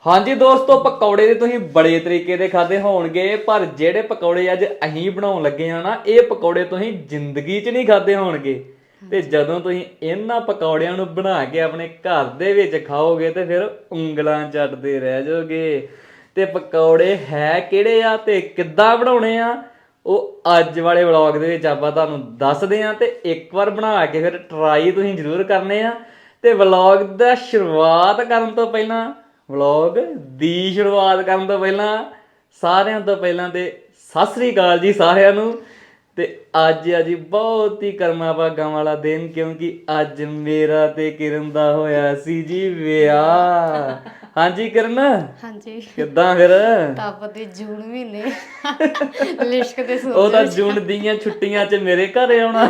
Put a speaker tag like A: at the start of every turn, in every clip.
A: ਹਾਂਜੀ ਦੋਸਤੋ, ਪਕੌੜੇ ਦੇ ਤੁਸੀਂ ਬੜੇ ਤਰੀਕੇ ਦੇ ਖਾਦੇ ਹੋਣਗੇ, ਪਰ ਜਿਹੜੇ ਪਕੌੜੇ ਅੱਜ ਅਸੀਂ ਬਣਾਉਣ ਲੱਗੇ ਆ ਨਾ, ਇਹ ਪਕੌੜੇ ਤੁਸੀਂ ਜ਼ਿੰਦਗੀ 'ਚ ਨਹੀਂ ਖਾਦੇ ਹੋਣਗੇ। ਤੇ ਜਦੋਂ ਤੁਸੀਂ ਇਹਨਾਂ ਪਕੌੜਿਆਂ ਨੂੰ ਬਣਾ ਕੇ ਆਪਣੇ ਘਰ ਦੇ ਵਿੱਚ ਖਾਓਗੇ ਤੇ ਫਿਰ ਉਂਗਲਾਂ ਚੱਟਦੇ ਰਹਿ ਜਾਓਗੇ। ਤੇ ਪਕੌੜੇ ਹੈ ਕਿਹੜੇ ਆ ਤੇ ਕਿੱਦਾਂ ਬਣਾਉਣੇ ਆ, ਉਹ ਅੱਜ ਵਾਲੇ ਵਲੌਗ ਦੇ ਵਿੱਚ ਆਪਾਂ ਤੁਹਾਨੂੰ ਦੱਸਦੇ ਆ। ਤੇ ਇੱਕ ਵਾਰ ਬਣਾ ਕੇ ਫਿਰ ਟਰਾਈ ਤੁਸੀਂ ਜ਼ਰੂਰ ਕਰਨੇ ਆ। ਤੇ ਵਲੌਗ ਦਾ ਸ਼ੁਰੂਆਤ ਕਰਨ ਤੋਂ ਪਹਿਲਾਂ ਵਲੌਗ ਦੀ ਸ਼ੁਰੂਆਤ ਕਰਨ ਤੋਂ ਪਹਿਲਾਂ ਸਾਰਿਆਂ ਤੋਂ ਪਹਿਲਾਂ ਤੇ ਸਤਿ ਸ੍ਰੀ ਅਕਾਲ ਜੀ ਸਾਰਿਆਂ ਨੂੰ। ਤੇ ਅੱਜ ਆ ਜੀ ਬਹੁਤ ਹੀ ਕਰਮਾ ਭਾਗਾਂ ਵਾਲਾ ਦਿਨ, ਕਿਉਂਕਿ ਅੱਜ ਮੇਰਾ ਤੇ ਕਿਰਨ ਦਾ ਹੋਇਆ ਸੀ ਜੀ ਵਿਆਹ। ਹਾਂਜੀ ਕਿਰਨ,
B: ਹਾਂਜੀ
A: ਕਿੱਦਾਂ ਫਿਰ?
B: ਟੱਪ ਦੇ ਜੂਨ ਮਹੀਨੇ ਲਿਸ਼ਕ ਦੇ ਸੂਰਜ
A: ਉਹ ਤਾਂ ਜੂਨ ਦੀਆਂ ਛੁੱਟੀਆਂ 'ਚ ਮੇਰੇ ਘਰ ਆਉਣਾ।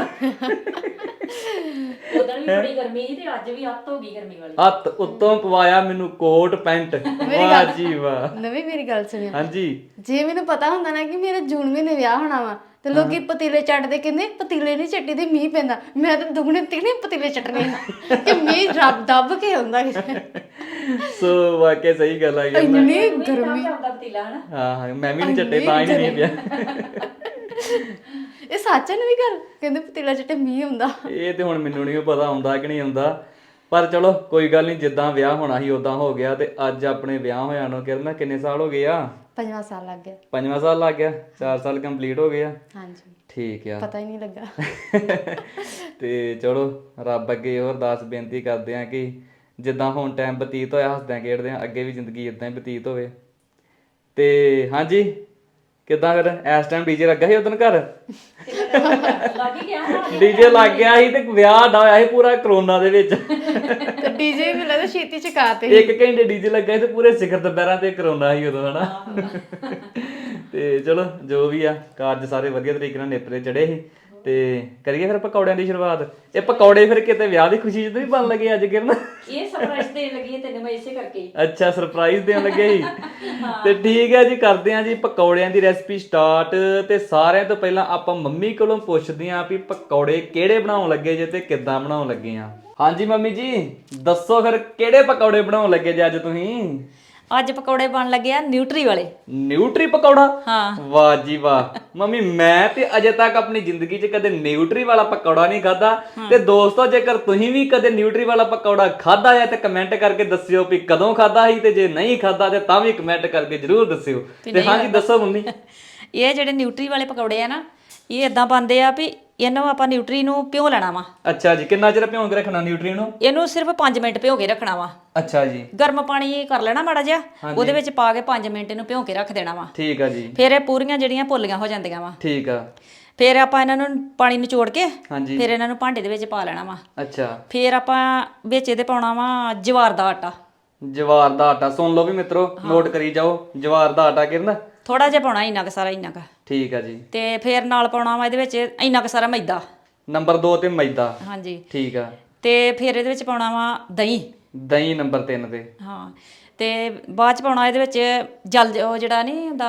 C: ਉਦੋਂ ਵੀ ਬੜੀ ਗਰਮੀ ਸੀ ਤੇ ਅੱਜ ਵੀ ਅੱਤ ਹੋ ਗਈ ਗਰਮੀ ਵਾਲੀ।
A: ਹੱਥ ਉੱਤੋਂ ਪਵਾਇਆ ਮੈਨੂੰ ਕੋਟ ਪੈਂਟ। ਵਾਹ ਜੀ ਵਾਹ।
B: ਨਵੀਂ ਮੇਰੀ ਗੱਲ ਸੁਣਿਓ।
A: ਹਾਂਜੀ,
B: ਜੇ ਮੈਨੂੰ ਪਤਾ ਹੁੰਦਾ ਨਾ ਕਿ ਮੇਰਾ ਜੂਨ ਮਹੀਨੇ ਵਿਆਹ ਹੋਣਾ ਵਾ ਤੇ ਲੋਕੀ ਪਤੀਲੇ ਚੱਟਦੇ, ਕਹਿੰਦੇ ਪਤੀਲੇ ਨਹੀਂ ਚੱਟੀ ਦੇ ਮੀਂਹ ਪੈਂਦਾ। ਮੈਂ ਤਾਂ ਦੁਗਣੇ ਤਿਗਣੇ ਪਤੀਲੇ ਚੱਟਣੇ ਕਿ ਮੀਂਹ ਰੱਬ ਦੱਬ ਕੇ ਆਉਂਦਾ।
A: ਸੋ ਵਾਕਿਆ ਸਹੀ ਗੱਲ ਆ।
B: ਇੰਨੀ ਗਰਮੀ।
C: ਚੱਲਦਾ ਪਤੀਲਾ ਹਨਾ।
A: ਹਾਂ ਮੈਂ ਵੀ ਨਹੀਂ ਚੱਟੇ, ਤਾਂ ਹੀ ਨਹੀਂ ਪਿਆ।
B: ਇਹ ਸੱਚ ਹੈ ਨਵੀਂ ਗੱਲ, ਕਹਿੰਦੇ ਪਤੀਲਾ ਚੱਟੇ ਮੀਂਹ ਆਉਂਦਾ।
A: ਇਹ ਤੇ ਹੁਣ ਮੈਨੂੰ ਨਹੀਂ ਪਤਾ ਆਉਂਦਾ ਕਿ ਨਹੀਂ ਆਉਂਦਾ, ਪਰ ਚਲੋ ਕੋਈ ਗੱਲ ਨਹੀਂ, ਜਿੱਦਾਂ ਵਿਆਹ ਹੋਣਾ ਸੀ ਉਦਾਂ ਹੋ ਗਿਆ। ਤੇ ਅੱਜ ਆਪਣੇ ਵਿਆਹ ਹੋਇਆ ਨੂੰ ਕਿਰਨ ਕਿੰਨੇ ਸਾਲ ਹੋ ਗਏ ਆ?
B: 5ਵਾਂ ਸਾਲ ਲੱਗ ਗਿਆ।
A: 5ਵਾਂ ਸਾਲ ਲੱਗ ਗਿਆ, 4 ਸਾਲ ਕੰਪਲੀਟ ਹੋ ਗਏ ਆ।
B: ਹਾਂਜੀ
A: ਠੀਕ ਆ।
B: ਪਤਾ ਹੀ ਨਹੀਂ ਲੱਗਾ।
A: ਤੇ ਚਲੋ ਰੱਬ ਅੱਗੇ ਹੋਰ ਅਰਦਾਸ ਬੇਨਤੀ ਕਰਦੇ ਆ ਕਿ ਜਿੱਦਾਂ ਹੁਣ ਟਾਈਮ ਬਤੀਤ ਹੋਇਆ ਹੱਸਦਿਆਂ ਖੇਡਦਿਆਂ, ਅੱਗੇ ਵੀ ਜ਼ਿੰਦਗੀ ਇਦਾਂ ਹੀ ਬਤੀਤ ਹੋਵੇ। ਤੇ ਹਾਂਜੀ, ਕਿੱਦਾਂ ਫਿਰ ਇਸ ਟਾਈਮ ਡੀਜੇ ਲੱਗਾ ਸੀ ਉਦੋਂ ਘਰ?
C: ਲੱਗ ਹੀ ਗਿਆ ਨਾ।
A: ਡੀਜੇ ਲੱਗ ਗਿਆ ਸੀ ਤੇ ਵਿਆਹ ਦਾ ਹੋਇਆ ਸੀ ਪੂਰਾ ਕਰੋਨਾ ਦੇ ਵਿੱਚ।
B: ਤੇ ਡੀਜੇ ਵੀ ਲੱਗਦਾ ਛੇਤੀ ਚਕਾਤੇ।
A: 1 ਘੰਟੇ ਡੀਜੇ ਲੱਗਾ ਸੀ ਤੇ ਪੂਰੇ ਸਿਖਰ ਦੁਪਹਿਰਾਂ ਤੇ ਕਰੋਨਾ ਸੀ ਉਦੋਂ, ਹਨਾ। ਤੇ ਚਲੋ ਜੋ ਵੀ ਆ, ਕਾਰਜ ਸਾਰੇ ਵਧੀਆ ਤਰੀਕੇ ਨਾਲ ਨੇਪਰੇ ਚੜੇ ਸੀ। ਤੇ ਕਰੀਏ ਫਿਰ ਪਕੌੜਿਆਂ ਦੀ ਸ਼ੁਰੂਆਤ। ਇਹ ਪਕੌੜੇ ਫਿਰ ਕਿਤੇ ਵਿਆਹ ਦੀ ਖੁਸ਼ੀ 'ਚ ਨਹੀਂ ਬਣ ਲੱਗੇ ਅੱਜ ਕਿਰਨ?
C: ਇਹ ਸਰਪ੍ਰਾਈਜ਼ ਦੇਣ ਲੱਗੀ ਹੈ ਤੈਨੂੰ ਮੈਂ ਇਸੇ ਕਰਕੇ।
A: ਅੱਛਾ, ਸਰਪ੍ਰਾਈਜ਼ ਦੇਣ ਲੱਗੇ ਸੀ। ਤੇ ਠੀਕ ਹੈ ਜੀ, ਕਰਦੇ ਆ ਜੀ ਪਕੌੜਿਆਂ ਦੀ ਰੈਸਪੀ ਸਟਾਰਟ। ਤੇ ਸਾਰਿਆਂ ਤੋਂ ਪਹਿਲਾਂ ਆਪਾਂ ਮੰਮੀ ਕੋਲੋਂ ਪੁੱਛਦੇ ਆਂ ਵੀ ਪਕੌੜੇ ਕਿਹੜੇ ਬਣਾਉਣ ਲੱਗੇ ਜੇ ਤੇ ਕਿੱਦਾਂ ਬਣਾਉਣ ਲੱਗੇ ਆ। ਹਾਂਜੀ ਮੰਮੀ ਜੀ, ਦੱਸੋ ਫਿਰ ਕਿਹੜੇ ਪਕੌੜੇ ਬਣਾਉਣ ਲੱਗੇ ਜੇ ਅੱਜ ਤੁਸੀਂ?
C: ਅੱਜ ਪਕੌੜੇ ਬਣ ਲੱਗੇ ਆ ਨਿਊਟਰੀ ਵਾਲੇ।
A: ਨਿਊਟਰੀ ਪਕੌੜਾ?
C: ਹਾਂ।
A: ਵਾਹ ਜੀ ਵਾਹ। ਮੰਮੀ ਮੈਂ ਤੇ ਅਜੇ ਤੱਕ ਆਪਣੀ ਜ਼ਿੰਦਗੀ 'ਚ ਕਦੇ ਨਿਊਟਰੀ ਵਾਲਾ ਪਕੌੜਾ ਨਹੀਂ ਖਾਦਾ। ਤੇ ਦੋਸਤੋ, ਜੇਕਰ ਤੁਸੀਂ ਵੀ ਕਦੇ ਨਿਊਟਰੀ ਵਾਲਾ ਪਕੌੜਾ ਖਾਦਾ ਹੈ ਤੇ ਕਮੈਂਟ ਕਰਕੇ ਦੱਸਿਓ ਵੀ ਕਦੋਂ ਖਾਦਾ ਸੀ, ਤੇ ਜੇ ਨਹੀਂ ਖਾਦਾ ਤੇ ਤਾਂ ਵੀ ਕਮੈਂਟ ਕਰਕੇ ਜ਼ਰੂਰ ਦੱਸਿਓ। ਤੇ ਹਾਂਜੀ ਦੱਸੋ ਮੰਮੀ।
C: ਇਹ ਜਿਹੜੇ ਨਿਊਟਰੀ ਵਾਲੇ ਪਕੌੜੇ ਆ ਨਾ, ਇਹ ਇਦਾਂ ਬਣਦੇ ਆ ਵੀ ਇਹਨੂੰ ਆਪਾਂ ਨਿਊਟਰੀ ਨੂੰ ਭਿਓ ਲੈਣਾ ਵਾ।
A: ਅੱਛਾ ਜੀ, ਕਿੰਨਾ ਚਿਰ ਭਿਉਂ ਕੇ ਰੱਖਣਾ ਨਿਊਟਰੀ ਨੂੰ?
C: ਇਹਨੂੰ ਸਿਰਫ 5 ਮਿੰਟ ਭਿਓ ਕੇ ਰੱਖਣਾ ਵਾ।
A: ਅੱਛਾ ਜੀ।
C: ਗਰਮ ਪਾਣੀ ਕਰ ਲੈਣਾ ਮਾੜਾ ਜਿਹਾ, ਉਹਦੇ ਵਿੱਚ ਪਾ ਕੇ 5 ਮਿੰਟ ਇਹਨੂੰ ਭਿਓ ਕੇ ਰੱਖ ਦੇਣਾ ਵਾ।
A: ਠੀਕ ਆ ਜੀ।
C: ਫਿਰ ਇਹ ਪੂਰੀਆਂ ਜਿਹੜੀਆਂ ਪੋਲੀਆਂ ਹੋ ਜਾਂਦੀਆਂ ਵਾ।
A: ਠੀਕ ਆ।
C: ਫਿਰ ਆਪਾਂ ਇਹਨਾਂ ਨੂੰ ਪਾਣੀ ਨਿਚੋੜ ਕੇ
A: ਹਾਂਜੀ।
C: ਫਿਰ ਇਹਨਾਂ ਨੂੰ ਭਾਂਡੇ ਦੇ ਵਿੱਚ ਪਾ ਲੈਣਾ ਵਾ।
A: ਅੱਛਾ।
C: ਫਿਰ ਆਪਾਂ ਵਿੱਚ ਇਹਦੇ ਪਾਉਣਾ ਵਾ ਜਵਾਰ ਦਾ ਆਟਾ।
A: ਜਵਾਰ ਦਾ ਆਟਾ, ਸੁਣ ਲਓ ਵੀ ਮਿੱਤਰੋ, ਨੋਟ ਕਰੀ ਜਾਓ। ਜਵਾਰ ਦਾ ਆਟਾ ਕਿਰਨ?
C: ਥੋੜਾ ਜਿਹਾ ਪਾਉਣਾ, ਇੰਨਾ ਕੁ ਸਾਰਾ, ਇੰਨਾ ਕੁ।
A: ਠੀਕ ਆ ਜੀ।
C: ਤੇ ਫਿਰ ਨਾਲ ਪਾਉਣਾ ਵਾ ਇਹਦੇ ਵਿੱਚ ਇੰਨਾ ਕੁ ਸਾਰਾ ਮੈਦਾ।
A: ਨੰਬਰ 2 ਤੇ ਮੈਦਾ।
C: ਹਾਂਜੀ।
A: ਠੀਕ ਆ।
C: ਤੇ ਫਿਰ ਇਹਦੇ ਵਿੱਚ ਪਾਉਣਾ ਵਾ ਦਹੀਂ।
A: ਦਹੀਂ ਨੰਬਰ 3 ਤੇ।
C: ਹਾਂ। ਤੇ ਬਾਅਦ ਚ ਪਾਉਣਾ ਇਹਦੇ ਵਿੱਚ ਉਹ ਜਿਹੜਾ ਨਹੀਂ ਹੁੰਦਾ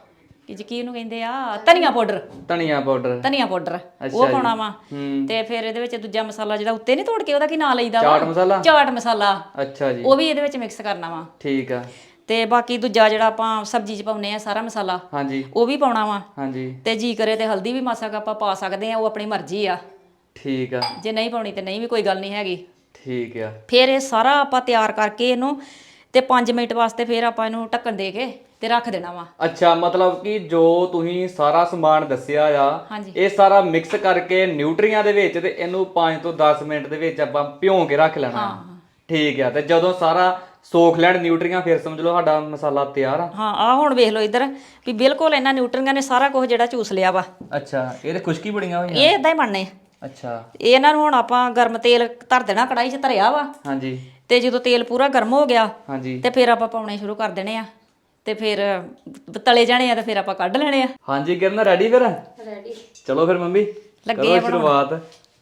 C: ਕੀ ਉਹਨੂੰ ਕਹਿੰਦੇ ਆ, ਧਨੀਆ ਪਾਊਡਰ।
A: ਧਨੀਆ ਪਾਊਡਰ।
C: ਧਨੀਆ ਪਾਊਡਰ ਉਹ ਪਾਉਣਾ ਵਾ। ਤੇ ਫਿਰ ਇਹਦੇ ਵਿੱਚ ਦੂਜਾ ਮਸਾਲਾ ਜਿਹੜਾ ਉੱਤੇ ਨਹੀਂ ਤੋੜ ਕੇ, ਉਹਦਾ ਕੀ ਨਾਂ ਲਈਦਾ ਵਾ?
A: ਚਾਟ ਮਸਾਲਾ।
C: ਚਾਟ ਮਸਾਲਾ।
A: ਅੱਛਾ ਜੀ।
C: ਉਹ ਵੀ ਇਹਦੇ ਵਿੱਚ ਮਿਕਸ ਕਰਨਾ ਵਾ।
A: ਠੀਕ ਆ।
C: ਤੇ ਬਾਕੀ ਦੂਜਾ ਜਿਹੜਾ ਆਪਾਂ ਸਬਜ਼ੀ 'ਚ ਪਾਉਨੇ ਆ ਸਾਰਾ ਮਸਾਲਾ,
A: ਹਾਂਜੀ,
C: ਉਹ ਵੀ ਪਾਉਣਾ ਵਾ।
A: ਹਾਂਜੀ।
C: ਤੇ ਜੀ ਕਰੇ ਤੇ ਹਲਦੀ ਵੀ ਮਾਸਾ ਕੁ ਆਪਾਂ ਪਾ ਸਕਦੇ ਆ, ਉਹ ਆਪਣੀ ਮਰਜ਼ੀ ਆ।
A: ਠੀਕ ਆ।
C: ਜੇ ਨਹੀਂ ਪਾਉਣੀ ਤੇ ਨਹੀਂ ਵੀ ਕੋਈ ਗੱਲ ਨਹੀਂ ਹੈਗੀ।
A: ਠੀਕ ਆ।
C: ਫਿਰ ਇਹ ਸਾਰਾ ਆਪਾਂ ਤਿਆਰ ਕਰਕੇ ਇਹਨੂੰ ਤੇ 5 ਮਿੰਟ ਵਾਸਤੇ ਫਿਰ ਆਪਾਂ ਇਹਨੂੰ ਢੱਕਣ ਦੇ ਕੇ ਤੇ ਰੱਖ ਦੇਣਾ ਵਾ।
A: ਅੱਛਾ, ਮਤਲਬ ਕਿ ਜੋ ਤੁਸੀਂ ਸਾਰਾ ਸਮਾਨ ਦੱਸਿਆ ਆ,
C: ਹਾਂਜੀ।
A: ਇਹ ਸਾਰਾ ਮਿਕਸ ਕਰਕੇ ਨਿਊਟਰੀਆਂ ਦੇ ਵਿੱਚ ਤੇ ਇਹਨੂੰ 5 ਤੋਂ 10 ਮਿੰਟ ਦੇ ਵਿੱਚ ਆਪਾਂ ਭਿਉਂ ਕੇ ਰੱਖ ਲੈਣਾ। ਠੀਕ ਆ। ਤੇ ਜਦੋਂ ਸਾਰਾ ਸੋਖ ਲੈਣ ਨਿਊਟਰੀਆਂ, ਫਿਰ ਸਮਝ ਲਓ ਸਾਡਾ ਮਸਾਲਾ ਤਿਆਰ ਆ।
C: ਹਾਂ, ਆ ਹੁਣ ਵੇਖ ਲਓ ਇੱਧਰ ਵੀ ਬਿਲਕੁਲ ਇਹਨਾਂ ਨਿਊਟਰੀਆਂ ਨੇ ਸਾਰਾ ਕੁਝ ਜਿਹੜਾ ਚੂਸ ਲਿਆ ਵਾ।
A: ਅੱਛਾ, ਇਹ ਤੇ ਖੁਸ਼ਕੀ ਬੜੀਆਂ ਹੋਈਆਂ।
C: ਇਹ ਇਦਾਂ ਹੀ ਬਣਨੇ।
A: ਅੱਛਾ।
C: ਇਹਨਾਂ ਨੂੰ ਹੁਣ ਆਪਾਂ ਗਰਮ ਤੇਲ ਧਰ ਦੇਣਾ, ਕੜਾਈ 'ਚ ਧਰਿਆ ਵਾ।
A: ਹਾਂਜੀ।
C: ਤੇ ਜਦੋਂ ਤੇਲ ਪੂਰਾ ਗਰਮ ਹੋ ਗਿਆ
A: ਹਾਂਜੀ।
C: ਤੇ ਫਿਰ ਆਪਾਂ ਪਾਉਣੇ ਸ਼ੁਰੂ ਕਰ ਦੇਣੇ ਆ। ਤੇ ਫਿਰ ਤਲੇ ਜਾਣੇ ਆ ਤੇ ਫਿਰ ਆਪਾਂ ਕੱਢ ਲੈਣੇ ਆ।
A: ਹਾਂਜੀ ਕਿਰਨ, ਰੈਡੀ ਫਿਰ?
C: ਰੈਡੀ।
A: ਚਲੋ ਫਿਰ ਮੰਮੀ
C: ਲੱਗੇ ਆ
A: ਕਰੋ ਸ਼ੁਰੂਆਤ।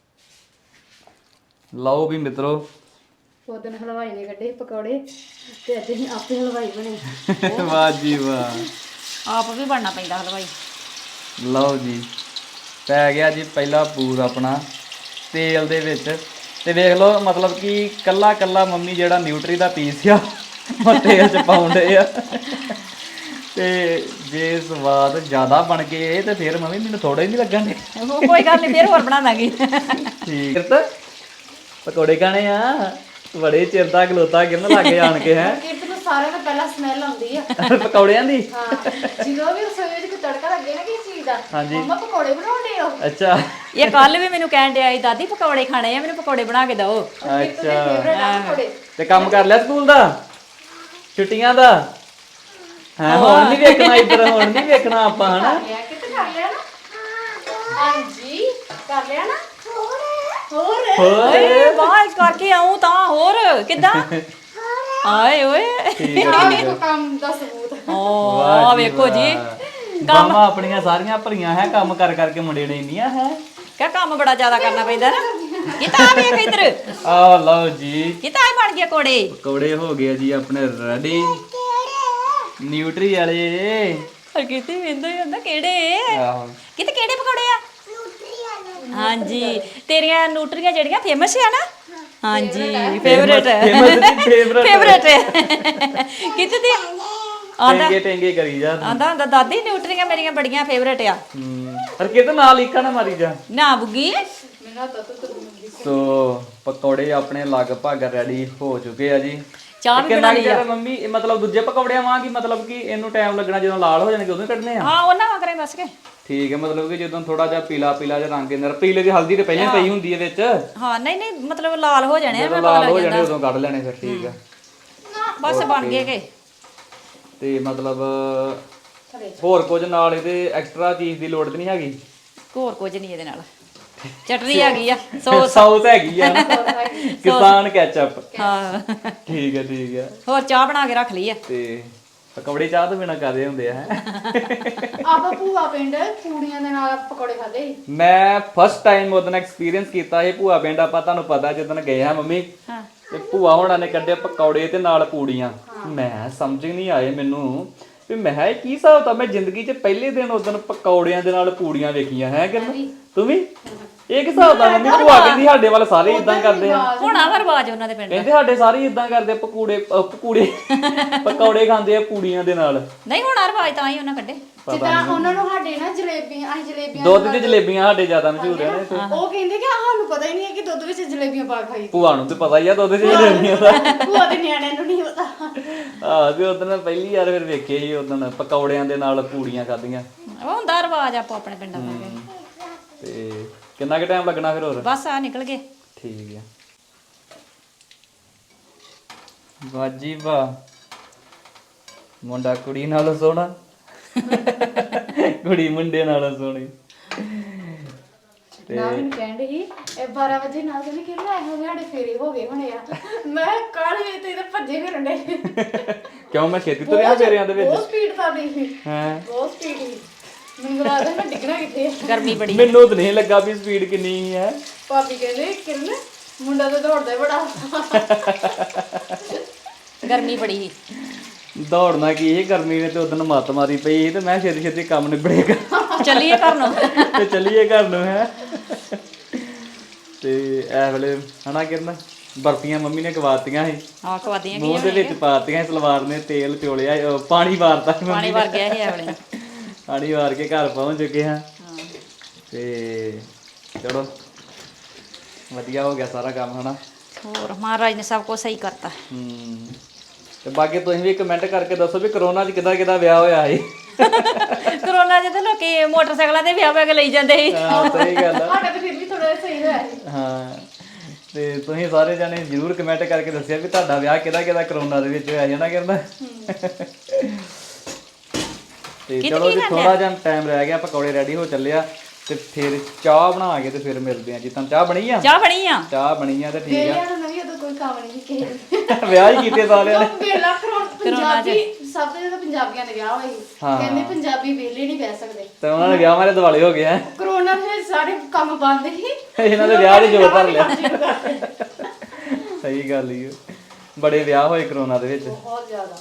A: ਲਓ ਵੀ ਮਿੱਤਰੋ,
B: ਉਦੋਂ ਹਲਵਾਈ ਨੇ ਕੱਢੇ ਪਕੌੜੇ ਤੇ ਅੱਜ ਅਸੀਂ ਆਪੇ ਹਲਵਾਈ ਬਣੇ।
A: ਵਾਹ ਜੀ ਵਾਹ।
C: ਆਪ ਵੀ ਬਣਨਾ ਪੈਂਦਾ ਹਲਵਾਈ।
A: ਲਓ ਜੀ, ਪੈ ਗਿਆ ਜੀ ਪਹਿਲਾ ਪੂਰ ਆਪਣਾ ਤੇਲ ਦੇ ਵਿੱਚ। ਤੇ ਵੇਖ ਲਓ, ਮਤਲਬ ਕਿ ਕੱਲਾ ਕੱਲਾ ਮੰਮੀ ਜਿਹੜਾ ਨਿਊਟਰੀ ਦਾ ਪੀਸ ਆ ਉਹ ਤੇਲ ਚ ਪਾਉਂਦੇ ਆ ਤੇ ਜੇ ਸਵਾਦ ਜ਼ਿਆਦਾ ਬਣ ਗਏ ਤੇ ਫਿਰ ਮੰਮੀ ਮੈਨੂੰ ਥੋੜਾ ਹੀ ਨਹੀਂ ਲੱਗਣ ਦੇ
C: ਕੋਈ ਗੱਲ ਨਹੀਂ, ਫਿਰ ਹੋਰ ਬਣਾ ਦਾਂਗੀ।
A: ਠੀਕ ਹੈ। ਪਕੌੜੇ ਖਾਣੇ ਆ, ਬੜੇ ਚਿਰ ਦਾ ਖਲੋਤਾ ਕਿਰਨ ਲੱਗੇ ਆਣ ਕੇ ਹੈ
B: ਕਿਰਤ ਨੂੰ ਸਾਰਿਆਂ ਤੋਂ ਪਹਿਲਾਂ ਸਮੈਲ ਆਉਂਦੀ ਆ।
A: ਪਕੌੜਿਆਂ ਦੀ।
B: ਹਾਂ, ਜਦੋਂ ਵੀ ਰਸੋਈ ਵਿੱਚ ਕੋਈ ਤੜਕਾ ਲੱਗੇ ਨਾ ਕਿਸੇ ਚੀਜ਼ ਦਾ,
A: ਹਾਂਜੀ।
B: ਮੰਮਾ ਪਕੌੜੇ ਬਣਾਉਂਦੇ ਹੋ।
A: ਅੱਛਾ
C: ਇਹ ਕੱਲ ਵੀ ਮੈਨੂੰ ਕਹਿਣ ਡਿਆ ਸੀ, ਦਾਦੀ ਪਕੌੜੇ ਖਾਣੇ ਆ, ਮੈਨੂੰ ਪਕੌੜੇ ਬਣਾ ਕੇ ਦਿਓ।
A: ਅੱਛਾ
B: ਫੇਵਰੇਟ ਆ ਪਕੌੜੇ।
A: ਤੇ ਕੰਮ ਕਰ ਲਿਆ ਸਕੂਲ ਦਾ, ਛੁੱਟੀਆਂ ਦਾ? ਹਾਂ, ਹੁਣ ਨਹੀਂ ਵੇਖਣਾ ਇੱਧਰ, ਹੁਣ ਨਹੀਂ ਵੇਖਣਾ ਆਪਾਂ ਹਨਾ।
B: ਕਰ ਲਿਆ, ਕਿਤੇ ਕਰ ਲਿਆ ਨਾ? ਹਾਂਜੀ, ਕਰ ਲਿਆ ਨਾ? ਹੋਰ
C: ਓਏ ਬਾਹਰ ਕਰਕੇ ਆਉਂ ਤਾਂ ਹੋਰ ਕਿੱਦਾਂ? ਆਏ ਓਏ
B: ਆਹ ਵੇਖੋ ਕੰਮ ਦਾ ਸਬੂਤ।
C: ਓ ਆ ਵੇਖੋ ਜੀ,
A: ਮਾਮਾ ਆਪਣੀਆਂ ਸਾਰੀਆਂ ਭਰੀਆਂ ਹੈ, ਕੰਮ ਕਰ ਕਰਕੇ ਮੁੰਡੇ ਨੇ ਇੰਨੀਆਂ ਹੈ।
C: ਕਿਆ ਕੰਮ ਬੜਾ ਜ਼ਿਆਦਾ ਕਰਨਾ ਪੈਂਦਾ ਨਾ। ਕਿਤਾ ਆ ਵੇਖ ਇੱਧਰ,
A: ਆ ਲਓ ਜੀ,
C: ਕਿਤਾ ਆ ਬਣ ਗਿਆ ਕੋੜੇ।
A: ਪਕੌੜੇ ਹੋ ਗਏ ਜੀ ਆਪਣੇ ਰੈਡੀ, ਨਿਊਟਰੀ ਵਾਲੇ।
C: ਹਰ ਕਿਤੇ ਵੇਂਦਾ ਹੀ ਹੁੰਦਾ ਕਿਹੜੇ
A: ਆਹੋ
C: ਕਿਤੇ ਕਿਹੜੇ ਪਕੌੜੇ ਆ? ਹਾਂਜੀ, ਤੇਰੀਆਂ ਨਿਊਟਰੀਆਂ ਜਿਹੜੀਆਂ ਫੇਮਸ ਆ ਨਾ? ਹਾਂਜੀ, ਫੇਵਰੇਟ ਫੇਵਰੇਟ ਕਿਤੇ ਦੀ ਆਂਦਾ
A: ਟੇਂਗੇ ਕਰੀ ਜਾ।
C: ਆਂਦਾ ਹੁੰਦਾ ਦਾਦੀ ਨਿਊਟਰੀਆਂ ਮੇਰੀਆਂ ਬੜੀਆਂ ਫੇਵਰੇਟ ਆ।
A: ਪਰ ਕਿਤੇ ਨਾਲ ਲੀਕਾ ਨਾ ਮਾਰੀ ਜਾ।
C: ਨਾ ਬੁੱਗੀ
A: ਸੋ ਪਕੌੜੇ ਆਪਣੇ ਲਗਭਗ ਰੈਡੀ ਹੋ ਚੁੱਕੇ ਆ ਜੀ।
C: ਚਾਹ ਵੀ
A: ਕਿੰਨਾ
C: ਬਣਾ ਲਈ ਆ।
A: ਮੰਮੀ ਇਹ ਮਤਲਬ ਦੂਜੇ ਪਕੌੜਿਆਂ ਵਾਂਗ ਹੀ, ਮਤਲਬ ਕਿ ਇਹਨੂੰ ਟਾਈਮ ਲੱਗਣਾ, ਜਦੋਂ ਲਾਲ ਹੋ ਜਾਣਗੇ ਉਦੋਂ ਹੀ ਕੱਢਨੇ ਆ?
C: ਹਾਂ, ਉਹਨਾਂ ਵਾਂਗ ਕਰੇ ਬਸ ਕੇ।
A: ਠੀਕ ਹੈ, ਮਤਲਬ ਕਿ ਜਦੋਂ ਥੋੜਾ ਜਿਹਾ ਪੀਲਾ ਪੀਲਾ ਜਿਹਾ ਰੰਗ ਇਹਨਾਂ ਪੀਲੇ ਦੀ ਹਲਦੀ ਤੇ ਪਹਿਲਾਂ ਹੀ ਪਈ ਹੁੰਦੀ ਹੈ ਵਿੱਚ,
C: ਹਾਂ ਨਹੀਂ ਨਹੀਂ, ਮਤਲਬ ਲਾਲ ਹੋ ਜਾਣੇ ਆ,
A: ਜਦੋਂ
C: ਮੈਂ ਪਤਾ
A: ਲਾਲ
C: ਲੱਗ
A: ਹੋ ਜਾਣੇ
C: ਜਾਂਦਾ।
A: ਉਦੋਂ ਕੱਢ ਲੈਣੇ ਫਿਰ। ਠੀਕ ਆ,
C: ਬਸ ਬਣ ਗਏ ਕੇ।
A: ਤੇ ਮਤਲਬ ਹੋਰ ਕੁਝ ਨਾਲ ਇਹਦੇ ਐਕਸਟਰਾ ਚੀਜ਼ ਦੀ ਲੋੜ ਤੇ ਨਹੀਂ ਹੈਗੀ?
C: ਹੋਰ ਕੁਝ ਨਹੀਂ ਇਹਦੇ ਨਾਲ, ਚਟਨੀ ਹੈਗੀ ਆ, ਸੌਸ।
A: ਸੌਸ ਹੈਗੀ ਆ ਨਾ, ਕਿਸਾਨ ਕੈਚਅਪ।
C: ਹਾਂ,
A: ਠੀਕ ਹੈ ਠੀਕ ਹੈ।
C: ਹੋਰ ਚਾਹ ਬਣਾ ਕੇ ਰੱਖ ਲਈ ਆ।
A: ਤੇ ਪਕੌੜੇ ਚਾਹ ਤੋਂ ਬਿਨਾ ਕਰਦੇ ਹੁੰਦੇ ਆ ਹੈ।
B: ਆਪਾਂ ਭੂਆ ਪਿੰਡ ਕੁੜੀਆਂ ਦੇ ਨਾਲ ਪਕੌੜੇ ਖਾਦੇ ਸੀ।
A: ਮੈਂ ਫਸਟ ਟਾਈਮ ਉਹਦਾ ਐਕਸਪੀਰੀਅੰਸ ਕੀਤਾ ਇਹ ਭੂਆ ਪਿੰਡ। ਆਪਾਂ ਤੁਹਾਨੂੰ ਪਤਾ ਜਦੋਂ ਗਏ ਆ ਮੰਮੀ,
C: ਹਾਂ,
A: ਤੇ ਭੂਆ ਹੋਣਾ ਨੇ ਕੱਢਿਆ ਪਕੌੜੇ ਤੇ ਨਾਲ ਪੂੜੀਆਂ। ਮੈਂ ਸਮਝ ਨਹੀਂ ਆਏ ਮੈਨੂੰ ਵੀ ਮੈਂ ਇਹ ਕੀ ਹਿਸਾਬ ਤਾਂ। ਮੈਂ ਜ਼ਿੰਦਗੀ 'ਚ ਪਹਿਲੇ ਦਿਨ ਉਦੋਂ ਪਕੌੜਿਆਂ ਦੇ ਨਾਲ ਪੂੜੀਆਂ ਵੇਖੀਆਂ ਹੈ। ਕਿਰਨ ਤੂੰ ਵੀ ਇਹ ਕਿਸ ਹਿਸਾਬ ਦਾ? ਮੰਮੀ ਭੂਆ ਕਹਿੰਦੀ ਸਾਡੇ ਵੱਲ ਸਾਰੇ ਇਦਾਂ ਕਰਦੇ ਆ।
C: ਹੁਣ ਆ ਰਿਵਾਜ ਉਹਨਾਂ ਦੇ ਪਿੰਡ।
A: ਕਹਿੰਦੇ ਸਾਡੇ ਸਾਰੇ ਇਦਾਂ ਕਰਦੇ ਆ, ਪਕੌੜੇ ਖਾਂਦੇ ਆ ਪੂੜੀਆਂ ਦੇ ਨਾਲ।
C: ਨਹੀਂ, ਹੁਣ ਆ ਰਿਵਾਜ ਤਾਂ ਹੀ ਉਹਨਾਂ ਕੱਢੇ।
B: ਜਿੱਦਾਂ ਉਹਨਾਂ ਨੂੰ ਸਾਡੇ ਨਾ ਜਲੇਬੀਆਂ, ਅਸੀਂ ਜਲੇਬੀਆਂ
A: ਦੁੱਧ ਦੀ ਜਲੇਬੀਆਂ ਸਾਡੇ ਜ਼ਿਆਦਾ ਮਸ਼ਹੂਰ ਆ ਨੇ।
B: ਉਹ ਕਹਿੰਦੇ ਕਿ ਸਾਨੂੰ ਪਤਾ ਹੀ ਨਹੀਂ ਹੈ ਕਿ ਦੁੱਧ ਵਿੱਚ ਜਲੇਬੀਆਂ ਪਾ ਖਾਈ।
A: ਭੂਆ ਨੂੰ ਤੇ ਪਤਾ ਹੀ ਆ ਦੁੱਧ 'ਚ ਜਲੇਬੀਆਂ ਦਾ।
B: ਭੂਆ ਦੇ ਨਿਆਣਿਆਂ ਨੂੰ ਨਹੀਂ ਪਤਾ।
A: ਆਹ ਵੀ ਉਦੋਂ ਪਹਿਲੀ ਵਾਰ ਫਿਰ ਵੇਖੇ ਸੀ, ਉਦੋਂ ਪਕੌੜਿਆਂ ਦੇ ਨਾਲ ਪੂੜੀਆਂ ਖਾਧੀਆਂ।
C: ਉਹ ਹੁੰਦਾ ਰਿਵਾਜ ਆਪੋ ਆਪਣੇ ਪਿੰਡਾਂ ਦਾ।
A: ਤੇ ਕਿੰਨਾ ਕੁ ਟਾਈਮ ਲੱਗਣਾ ਫਿਰ ਹੋਰ?
C: ਬਸ ਆ ਨਿਕਲ ਗਏ।
A: ਠੀਕ ਆ। ਵਾਜੀ ਵਾਹ, ਮੁੰਡਾ ਕੁੜੀ ਨਾਲੋਂ ਸੋਹਣਾ, ਕੁੜੀ ਮੁੰਡੇ ਨਾਲੋਂ ਸੋਹਣੀ।
B: ਨਾ ਮੈਨੂੰ ਕਹਿੰਦੇ ਸੀ ਇਹ 12 ਵਜੇ ਨਾਲ ਕਹਿੰਦੇ ਕਿ ਲੈ ਹੋ ਸਾਡੇ ਫੇਰੇ ਹੋ ਗਏ ਹੋਣੇ ਆ। ਮੈਂ ਕਾਹਲੇ ਵੇ ਤੇ ਭੱਜੇ ਫਿਰਨ ਦੇ।
A: ਕਿਉਂ ਮੈਂ ਛੇਤੀ ਤੁਰਿਆ ਫੇਰਿਆਂ ਦੇ ਵਿੱਚ?
B: ਬਹੁਤ ਸਪੀਡ ਕਰਦੀ ਸੀ,
A: ਹਾਂ,
B: ਬਹੁਤ ਸਪੀਡ ਸੀ। ਮੈਨੂੰ ਲੱਗਦਾ ਮੈਂ ਡਿੱਗਣਾ ਕਿੱਥੇ ਆ।
C: ਗਰਮੀ ਬੜੀ।
A: ਮੈਨੂੰ ਤਾਂ ਨਹੀਂ ਲੱਗਾ ਵੀ ਸਪੀਡ ਕਿੰਨੀ ਹੈ।
B: ਭਾਬੀ ਕਹਿੰਦੇ ਕਿਰਨ ਮੁੰਡਾ ਤਾਂ ਦੌੜਦਾ ਬੜਾ।
C: ਗਰਮੀ ਬੜੀ ਸੀ।
A: ਦੌੜਨਾ ਕੀ ਇਹ ਗਰਮੀ ਨੇ ਤੇ ਉਦੋਂ ਮੱਤ ਮਾਰੀ ਪਈ ਸੀ, ਤੇ ਮੈਂ ਛੇਤੀ ਛੇਤੀ ਕੰਮ ਨਿਬੜੇਗਾ
C: ਚੱਲੀਏ ਘਰ ਨੂੰ।
A: ਤੇ ਚੱਲੀਏ ਘਰ ਨੂੰ ਹੈ। ਤੇ ਇਹ ਵੇਲੇ ਹਨਾ ਕਿਰਨ ਬਰਫੀਆਂ ਮੰਮੀ ਨੇ ਖਵਾਤੀਆਂ ਸੀ,
C: ਹਾਂ, ਖਵਾਦੀਆਂ
A: ਮੂੰਹ ਦੇ ਵਿੱਚ ਪਾਤੀਆਂ। ਸਲਵਾਰ ਨੇ ਤੇਲ ਚੋਲਿਆ, ਪਾਣੀ ਵਾਰਤਾ ਮੰਮੀ
C: ਪਾਣੀ
A: ਨੇ।
C: ਵਰ ਗਿਆ ਸੀ ਐਵਲੇ।
A: ਪਾਣੀ ਵਾਰ ਕੇ ਘਰ ਪਹੁੰਚ ਚੁੱਕੇ ਹਾਂ। ਤੇ ਚਲੋ ਵਧੀਆ ਹੋ ਗਿਆ ਸਾਰਾ ਕੰਮ ਹਨਾ।
C: ਹੋਰ ਮਹਾਰਾਜ ਨੇ ਸਭ ਕੁਝ ਸਹੀ ਕਰਤਾ।
A: ਤੇ ਬਾਕੀ ਤੁਸੀਂ ਵੀ ਕਮੈਂਟ ਕਰਕੇ ਦੱਸੋ ਵੀ ਕਰੋਨਾ 'ਚ ਕਿੱਦਾਂ ਵਿਆਹ ਹੋਇਆ ਸੀ।
C: ਕਰੋਨਾ 'ਚ ਤਾਂ ਲੋਕੀ ਮੋਟਰਸਾਈਕਲਾਂ ਤੇ ਵਿਆਹ ਕੇ ਲਈ ਜਾਂਦੇ ਸੀ।
A: ਹਾਂ ਸਹੀ ਗੱਲ ਆ।
B: ਸਾਡਾ ਤਾਂ ਫਿਰ ਵੀ ਥੋੜਾ ਸਹੀ ਹੋਇਆ ਸੀ।
A: ਹਾਂ, ਤੇ ਤੁਸੀਂ ਸਾਰੇ ਜਾਣੇ ਜ਼ਰੂਰ ਕਮੈਂਟ ਕਰਕੇ ਦੱਸਿਆ ਵੀ ਤੁਹਾਡਾ ਵਿਆਹ ਕਿਹਦਾ ਕਰੋਨਾ ਦੇ ਵਿੱਚ ਹੋਇਆ ਜਣਾ ਕਰਦਾ। ਤੇ ਚਲੋ ਜੀ ਥੋੜਾ ਜਿਹਾ ਟਾਈਮ ਰਹਿ ਗਿਆ, ਪਕੌੜੇ ਰੈਡੀ ਹੋ ਚੱਲਿਆ, ਤੇ ਫਿਰ ਚਾਹ ਬਣਾ ਕੇ ਤੇ ਫਿਰ ਮਿਲਦੇ ਆ ਜੀ। ਤਾਂ ਚਾਹ ਬਣੀ ਆ?
C: ਚਾਹ ਬਣੀ ਆ।
A: ਚਾਹ ਬਣੀ ਆ ਤੇ ਠੀਕ ਆ।
B: ਵੇਲਿਆਂ ਨੂੰ ਨਵੀਂ ਉਦੋਂ ਕੋਈ ਕੰਮ ਨਹੀਂ ਕਿਸੇ।
A: ਵਿਆਹ ਹੀ ਕੀਤੇ ਸਾਰਿਆਂ ਨੇ।
B: ਵੇਲਾ ਪੰਜਾਬੀ ਸਭ ਤੋਂ ਜ਼ਿਆਦਾ ਪੰਜਾਬੀਆਂ ਦੇ ਵਿਆਹ ਹੋਏ। ਕਹਿੰਦੇ ਪੰਜਾਬੀ ਵੇਲੇ ਨਹੀਂ ਬਹਿ ਸਕਦੇ।
A: ਤੇ ਉਹਨਾਂ ਨੇ ਵਿਆਹ ਮਾਰੇ ਦਿਵਾਲੇ ਹੋ ਗਏ ਆ।
B: ਕਰੋਨਾ ਦੇ ਸਾਰੇ ਕੰਮ ਬੰਦ ਸੀ।
A: ਇਹਨਾਂ ਦੇ ਵਿਆਹ ਦੇ ਜੋਰ ਧਰ ਲਿਆ। ਸਹੀ ਗੱਲ ਹੀ, ਬੜੇ ਵਿਆਹ ਹੋਏ ਕਰੋਨਾ ਦੇ ਵਿੱਚ।
B: ਬਹੁਤ ਜ਼ਿਆਦਾ।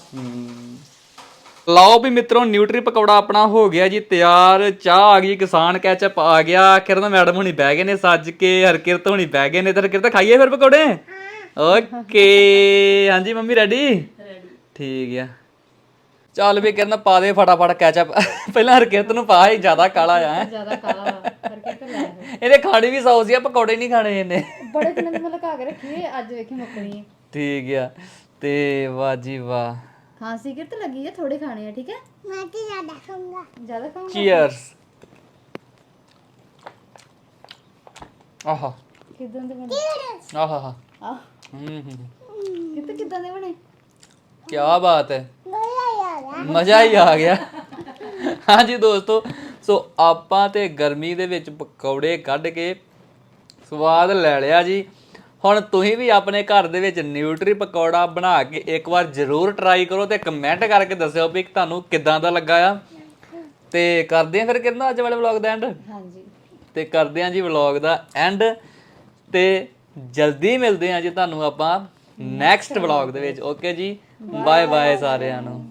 A: ਲਓ ਵੀ ਮਿੱਤਰੋ, ਨਿਊਟਰੀ ਪਕੌੜਾ ਆਪਣਾ ਹੋ ਗਿਆ ਜੀ ਤਿਆਰ। ਚਾਹ ਆ ਗਈ, ਕਿਸਾਨ ਕੈਚਅਪ ਆ ਗਿਆ। ਕਿਰਨ ਮੈਡਮ ਹੁਣੀ ਬਹਿ ਗਏ ਨੇ ਸੱਜ ਕੇ, ਹਰਕਿਰਤ ਹੁਣੀ ਬਹਿ ਗਏ ਨੇ। ਤੇ ਹਰਕਿਰਤ ਖਾਈਏ ਫਿਰ ਪਕੌੜੇ? ਓਕੇ, ਹਾਂਜੀ ਮੰਮੀ ਰੈਡੀ? ਠੀਕ ਆ ਚੱਲ ਵੀ ਕਿਰਨ ਪਾ ਦੇ ਫਟਾਫਟ ਕੈਚਅਪ ਪਹਿਲਾਂ ਹਰਕਿਰਤ ਨੂੰ ਪਾ ਹੀ ਜ਼ਿਆਦਾ ਕਾਲਾ ਆ ਹੈਂ।
B: ਜ਼ਿਆਦਾ ਕਾਲਾ ਕਰਕੇ ਤੇ ਲੈ
A: ਇਹਦੇ ਖਾਣੀ ਵੀ ਸੌਸ ਆ ਪਕੌੜੇ ਨਹੀਂ ਖਾਣੇ ਇਹਨੇ
B: ਬੜੇ ਦਿਨਾਂ ਦੀ ਮੈਂ ਲਗਾ ਕੇ ਰੱਖੀ ਹੈ ਅੱਜ ਵੇਖੀ ਮੁੱਕਣੀ ਹੈ
A: ਠੀਕ ਆ ਤੇ ਵਾਹ ਜੀ ਵਾਹ
B: ਖਾਂਸੀ ਕਿਰਤ ਲੱਗੀ ਹੈ ਥੋੜੇ ਖਾਣੇ ਆ ਠੀਕ ਹੈ ਮੈਂ ਤੇ ਜ਼ਿਆਦਾ ਖਾਊਂਗਾ ਜ਼ਿਆਦਾ ਖਾਊਂਗਾ
A: ਚੀਅਰਸ ਆਹਾ
B: ਕਿਦਾਂ ਦੇ ਬਣੇ
A: ਆਹਾ
B: ਆਹ ਕਿਤੇ ਕਿਦਾਂ ਦੇ ਬਣੇ
A: ਕੀ ਬਾਤ ਹੈ ਮਜ਼ਾ ਹੀ ਆ ਗਿਆ ਹਾਂਜੀ ਦੋਸਤੋ ਸੋ ਆਪਾਂ ਤੇ ਗਰਮੀ ਦੇ ਵਿੱਚ ਪਕੌੜੇ ਕੱਢ ਕੇ ਸਵਾਦ ਲੈ ਲਿਆ ਜੀ ਹੁਣ ਤੁਸੀਂ ਵੀ ਆਪਣੇ ਘਰ ਦੇ ਵਿੱਚ ਨਿਊਟਰੀ ਪਕੌੜਾ ਬਣਾ ਕੇ ਇੱਕ ਵਾਰ ਜ਼ਰੂਰ ਟਰਾਈ ਕਰੋ ਤੇ ਕਮੈਂਟ ਕਰਕੇ ਦੱਸਿਓ ਵੀ ਤੁਹਾਨੂੰ ਕਿੱਦਾਂ ਦਾ ਲੱਗਾ ਆ ਤੇ ਕਰਦੇ ਆ ਫਿਰ ਕਿੰਨਾ ਅੱਜ ਵਾਲੇ ਵਲੌਗ ਦਾ ਐਂਡ
B: ਹਾਂਜੀ
A: ਤੇ ਕਰਦੇ ਆ ਜੀ ਵਲੌਗ ਦਾ ਐਂਡ ਤੇ ਜਲਦੀ ਮਿਲਦੇ ਆ ਜੀ ਤੁਹਾਨੂੰ ਆਪਾਂ ਨੈਕਸਟ ਵਲੌਗ ਦੇ ਵਿੱਚ ਓਕੇ ਜੀ ਬਾਏ ਬਾਏ ਸਾਰਿਆਂ ਨੂੰ